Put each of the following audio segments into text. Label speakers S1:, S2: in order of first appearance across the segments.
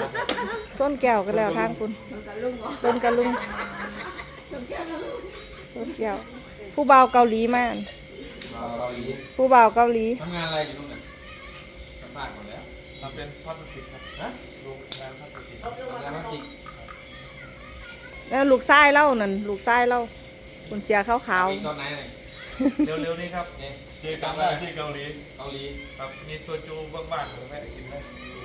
S1: ส้นแก้วกันแล้วทางคุณส้นกะลุงส้นแก้วผู้บ่าวเกาหลีมาผู้บ่าวเกาหลี
S2: ทำงานอะไรอยู่ตรงไหนสัมภาษณ์หมดแล้ว
S3: ทำเป็นพลาสติกครับฮะโรงงานพลาสติก
S2: ทำงานพลาสติก
S1: แล้วลูกชายเล่านั่นลูกชายเล่าคุณเสียขาว
S2: ตอนไหนเนี่ย
S3: เร็วๆนี้ครับ
S2: เนี่ย
S3: เจอกันได้ที่เกาหลี
S2: เกาหลี
S3: ครับมีโซจูบ้างๆผมไม่ได้กินได้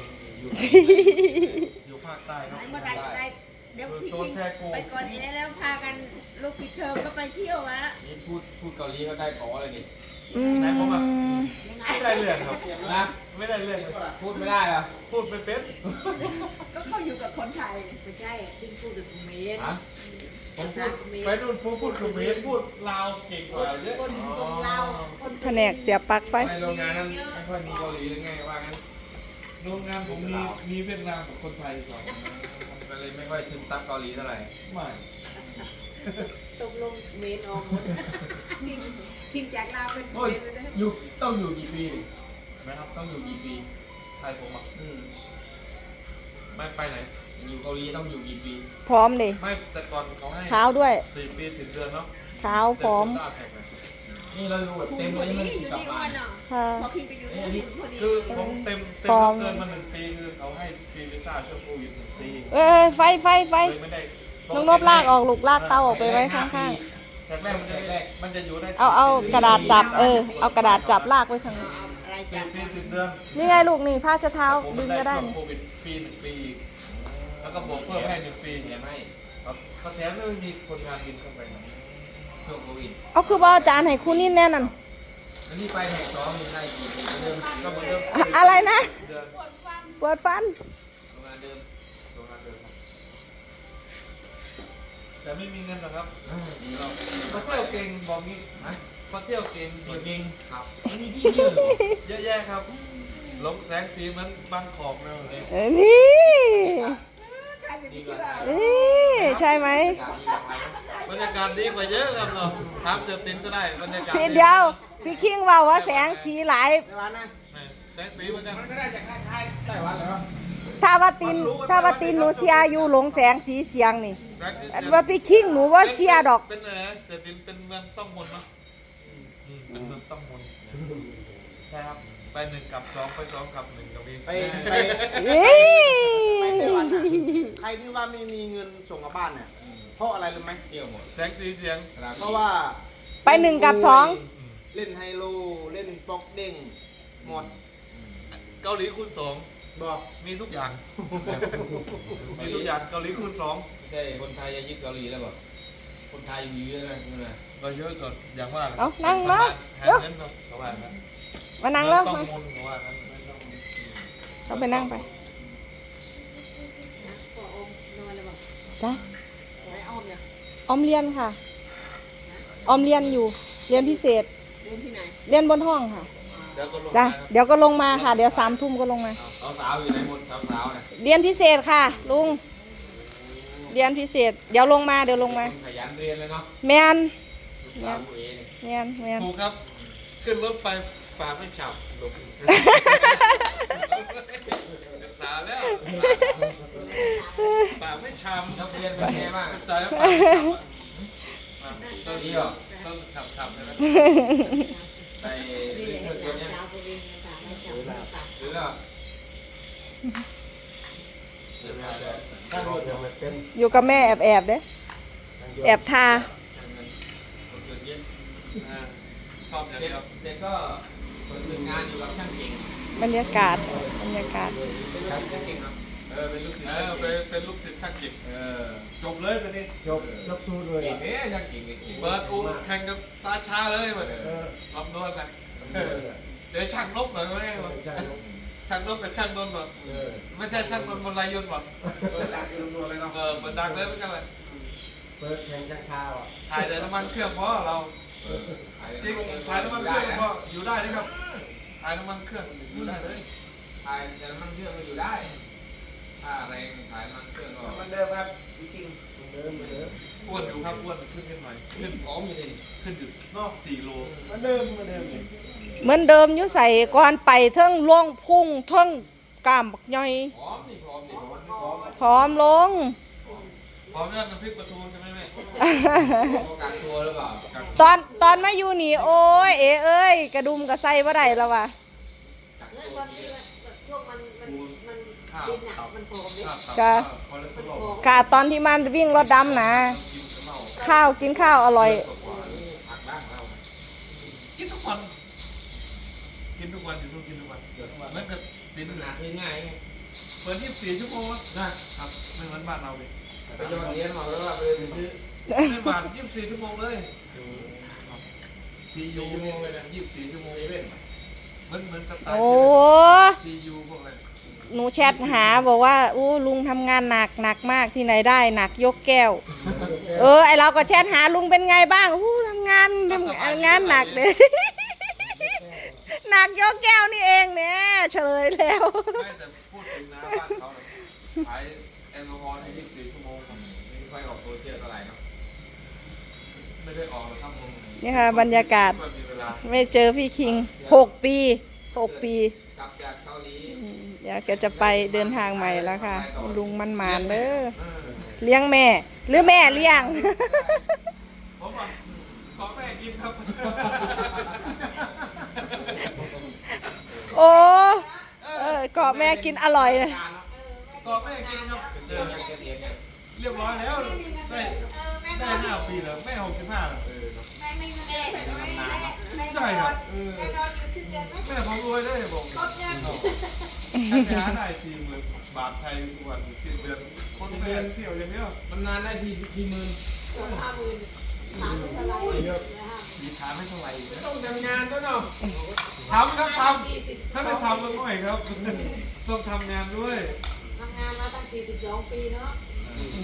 S3: อยู่ภาคใต้ครับ
S4: เมื่อไหร่จะได้เดี๋ยวพี่
S3: โซนแทกู
S4: ไปก่อนเองแล้วพากันลูกปิดเทอมก็ไปเที่ยวมา
S2: นี่พูดเกาหลีก็ได้ขออะไรดิ
S1: ๆอืม
S3: ไม่ได้เรื่องครับ
S2: นะ
S3: ไม่ได้เรื่อง
S2: พูดไม่ได้เหรอ
S3: พูดเป็น
S4: ก็เขาอยู่กับคนไทยไม่ใช่ที่พูดกับเมน
S2: ฮะ
S3: ผมพูดไปนู่นพูดเขมรพูดลาวเก่งกว่าเยอะ
S4: คนลาวคน
S1: แผนกเสียปักไป
S2: ในโรงงานนั้นไม่ค่อยมีเกาหลีหรือไงว่างั้น
S3: โรงงานผมมีเวียดนามกับคนไทยสอง
S2: ก็เลยไม่ค่อยซึมซับเกาหลีเท่าไหร่
S3: ไม่
S4: ตกลงเมนออกหมดทิ้งจากลาวเป็นเม
S2: โอ้ย
S4: นเลยนะ
S2: อยู่ต้องอยู่กี่ปี
S3: นะครับ
S2: ต้องอยู่กี่ปี
S3: ไทยผมอ่ะ ไม่ไปไหน
S2: อยู่เกาหลีต้องอยู่กี่ปี
S1: พร้อมเลย
S3: ไม่แต่ก่อนเขาให้
S1: ขาวด้วย
S3: 4 ปี10 เดือนเนาะ
S1: ขาวพร้อม
S3: แต่ผมได้แท็กเลย
S2: นี่เราอยู่แบบเต็ม
S4: ค
S2: เลย
S4: น
S2: มั
S4: นี้
S2: น
S4: อยู่
S2: กลับ
S4: นี่
S2: มา
S4: วันเนาะ
S1: ค่ะ
S4: พอพี่ไปอยู่ที่พอดี
S3: คือผมเต็ม
S1: พร้อม
S3: เกินมา1 ปีคือเขาให้ฟรีวีซ่าช่วงโควิด1 ปี
S1: เอ้ยไฟ
S3: เลยไม่ได้
S1: น้องนบลากออกลูกลากเตาออกไปไว้ข้าง
S3: แรกแรกมันจะอยู่ได้
S1: ๆเอากระดาษจับเอากระดาษจับลากไว้ข้างใน
S4: อะไร
S3: 4
S4: จัด
S3: ปี10 เดือน
S1: นี่ไงลูกนี่ผ้าเช็ดเท้า
S3: ผม
S1: ดึง
S3: ได้
S1: ก็ได้
S3: ช่วง
S1: นี่
S3: โควิดปี1 ปีอีกแล้วก็บวกเพิ่มให้1 ปี
S2: แถมให้
S3: ครับก็แถมไม่มีคนงานบินเข้าไปนะ
S2: ช่วงโควิด
S1: เอาคือว่าอาจารย์ให้คุณนี่แน่นั่น
S2: แล้วนี่ไปแหกท้องนี่ได้กี่ปีเดิม
S3: ก็เหมือนเดิม
S1: อะไรนะ
S3: เดือน
S1: ปวดฟัน
S2: โรงงานเดิม
S3: โรงงานเดิมครับแต่ไม่มีเงินหรอกครับ
S2: ดีเรา
S3: มาเที่ยวเก่งบอกงี้
S2: ฮะ
S3: มาเที่ยวเก่ง
S2: ตัวจริงครับมีที่เยอะเหรอ
S3: เยอะแยะครับหลงแสงสีเหมือนบางขอบเลย
S1: นี่
S4: ใครจะ
S2: ดี
S4: เชื่
S2: กว่า
S4: อ
S1: นี่ใช่ไหม
S2: อากาศดีกว่าไปนะ
S3: บรรยากาศดีกว่าเยอะครับเนาะถามเสือตินก็ได้บรรยากาศ
S1: พี่เดียวพี่คิงว่าแสงสีหลาย
S2: ไต้หวันนะ
S3: แสงสีเหมือนกัน
S2: มันก็ได้จากคล้ายๆไต้หวันเหรอ
S1: ถ้าว่าตินหนูเชียร์อยู่หลงแสงสีเสียงนี่
S3: แสงสี
S1: อันว่าพี่คิงหนูว่าเชียร์ดอก
S3: เป็นอะไรนะเสือตินเป็นเมืองต้องมนต์เนาะเป็นเมืองต้องมนต์ใช่ครับไป1 กับ 2ไป2 กับ 1กับนี้
S5: ไป
S1: นี่
S5: ไต้หวันน่ะใครที่ว่าไม่มีเงินส่งกลับบ้านเนี่ยเพราะอะไรรู้ไหม
S2: เที่ยวหมด
S3: แสงสีเสียง
S5: เพราะว่า
S1: ไป1 กับ
S5: เล่นไฮโลเล่นป๊อกเด้งหมด
S3: เกาหลีคูณ
S5: บอก
S3: 2มีทุกอย่างมีทุกอย่างเกาหลีคูณ 2
S2: ไม่ใช่คนไทยจะยึดเกาหลีแล้วบอกคนไทยอยู่เยอะเลยใช่ไหม
S3: ก็เยอะจนอย่างว่า
S1: เอานั่งมา
S3: หา
S1: เดี๋ยว
S3: เงินเนาะเขาว่างั้น
S1: มานั่งแล้ว
S3: ต้อง
S1: มา
S3: มุนเขาว่างั้นไม่ต้อง
S1: เราไปนั่งไป
S4: นะพออมนอนเลยบอก
S1: จ้ะ
S4: ไอ้อมเนี่ย
S1: ออมเรียนค่ะออมเรียนอยู่เรียนพิเศษ
S4: เรียนที่ไหน
S1: เรียนบนห้องค่ะ
S3: เดี๋ยวก็ลง
S1: จ้ะ
S3: มาครับ
S1: เดี๋ยวก็ลงมาค่ะ เดี๋ยว3 ทุ่มก็ลงมา
S2: เอาสาวอยู่ในหมดสาวๆเนี่ย
S1: เรียนพิเศษค่ะ ลุงเรียนพิเศษ เดี๋ยวลงมาเดี๋ยวลงมา
S2: ขยันเรียนเลยเนาะ
S1: แมน
S2: ลูกสาวผู้เอเนี่ย
S1: แมน
S3: ถูกครับ ขึ้นรถไปฝากไม่ฉับลงศึกษาแล้วฝากไม่ช้ำ
S2: นักเรียนเป็นไงบ้าง
S3: เข้าใจว่าฝากไม่ช้ำอ่ะ
S2: ตัวนี้เหรอ
S3: ต้องฉับๆใช่ไหม
S2: ไป
S4: นี่
S2: เรี
S4: แห
S2: ย
S4: ละ
S2: นเครื่องเนี้ย
S4: สาวตัวเองสาวไม่จับไม่ตัด
S2: หรือแล้ว
S5: ถ้ารถยังไม่เป็น
S1: อยู่กับแม่แอบเด้แอบทา
S2: ช่างเงินคนอื่นเยอะ
S3: อ่าชอบอย่าง
S2: เด็ก
S3: เดียว
S2: เด็กก็คนอื่นงานอยู่กับช่างเก่ง
S1: บรรยากาศบรรยากาศ
S2: เป็นลูกศิษย์ช่างเก่งเนาะเป็นลูกศิษย์
S3: เอ
S2: ช่าง
S3: อ
S2: เก่ง
S3: เป็นลูกศิษย์ช่างจิต จบเลยตอนนี้
S5: จบสู้เลย
S2: เก่งเอ๊ะช่างเก่งเก่ง
S3: เปิดอูแข่งกับตาชาเลยมัน
S5: เออ
S3: ลำดวนกันเดี๋ยวช่างนกหน่อยไหมวะ
S5: ใช่
S3: ช่างนกกับช่างนนท์วะ
S5: เออ
S3: ไม่ใช่ช่างนนท์บนไรยนต์วะ
S5: ดักอยู่ตัวเลยเนาะ
S3: เปิดดังเลยเหมือนกันเลย
S5: เปิดแข่งช้าชาอ่ะ
S3: ถ่ายแต่น้ำมันเครื่องเพราะเราจริงถ่ายน้ำมันเครื่องเพราะอยู่ได้นะครับถ่ายน้ำมันเครื่องอยู่ได้เลย
S2: ถ่ายแต่มันเครื่องก็อยู่ได้ ถ้าแรงถ่ายมันเครื่องก็
S5: มันเดิมครับจริงๆเดิม
S3: อ้วนอยู่ครับอ้วนขึ้นนิดหน่อยขึ้น
S2: พร้อมอยู่เลย
S3: ขึ้นอยู่นอก4 โล
S5: มันเดิม
S1: เหมือนเดิมอยู่ใส่ก่อนไปเทิงล่วงพุ่งเทิงกล้ามบักย่อย
S2: พร้อมนี่พร้อมนี่
S1: พร้อมลง
S3: พร้อมยังน้ำพริกปลาทูใช่ไหมแม่
S2: ป้องกันตัวหรือเปล่า
S1: ตอนมาอยู่นี่โอ้ยเอ้ยกระดุมกระไซบ่ได้แล้วว่ะ
S4: ตอนที่ช่วงมันดินอ่ะมันผอมเลย
S1: ค่ะ
S3: คอเลสเตอรอล
S1: ค่ะตอนที่มันวิ่งรถดำนะข้าวกินข้าวอร่อย
S2: ผักบ้างเรา
S3: กินทุกวันกินทุกวันอยู่ทุกกินทุกวันเหมือนกับติด
S2: มันห
S3: ห
S2: นั
S3: นั
S2: ก
S3: ก
S2: ง่ายไง
S3: เปิด24 ชั่วโมง
S2: นะครับ
S3: ไม่เหมือนบ้านเราเลย
S2: ไปโยนเหรียญมาแล้วว่าไปซื้อ
S3: ไม่บาท24 ชั่วโมงเลยซียู
S2: 4 ชั่วโมงเลยนะ
S3: 24 ชั่วโมง
S2: เซเว่น
S3: เหมือนสไตล์
S1: โอ้
S3: ซียูพวกอะไร
S1: หนูแชทหาบอกว่าอู้ลุงทำงานหนักมากที่ไหนได้หนักยกแก้ว ไอเราก็แชทหาลุงเป็นไงบ้างอู้ทำงานหนักเลย หนักยกแก้วนี่เองเนี่ยเฉลยแล้ว
S3: ไม่แต่พูดถึงนะบ้านเขาขายแอลกอฮอล์ใน24 ชั่วโมง
S2: ไม่ค่อยออกโซเชียลเท่าไหร่เนาะ
S3: ไม่ได้ออกหรอกครับผม
S1: นี่ค่ะบรรยากาศ
S3: ไม่มีเวลา
S1: ไม่เจอพี่คิง6 ปี 6 ปี
S2: กลับจากเกาหลี
S1: เดี๋ยวแกจะไปเดินทางใหม่แล้วค่ะ ลุงมันหมานเด้อ
S3: เออ
S1: เลี้ยงแม่ หรือแม่เลี้ยง
S3: ผมบอกขอแม่กินครับ
S1: โอ้เกาะแม่กินอร่อยเลย
S2: การเนาะ
S3: ขอแม่กินครับ
S2: เจอยังเกษียณเนี่ย
S3: เรียบร้อยแล้วได้ได้5 ปีแล้วแม่65แล้ว
S2: เนาะ
S4: แม่นอนอยู่ที่เดือนไหม
S3: แม่ผมรวยได้ผม
S4: กดเงิน
S3: ไปหาได้40,000 บาทไทยทุกวันสิ้นเดือนคนแม่เที่ยวอย่างเดียว
S2: มันนานได้ทีหมื่น
S4: 50,000 30,000อะไรนะฮะ
S3: มีฐานไม่เท่าไหร่นะ
S2: ต้องทำงานด้วยเนาะ
S3: ทำครับทำถ้าไม่ทำก็ไม่ครับ ต้องทำงานด้วย
S4: ทำงานมาตั้ง42 ปีเนาะ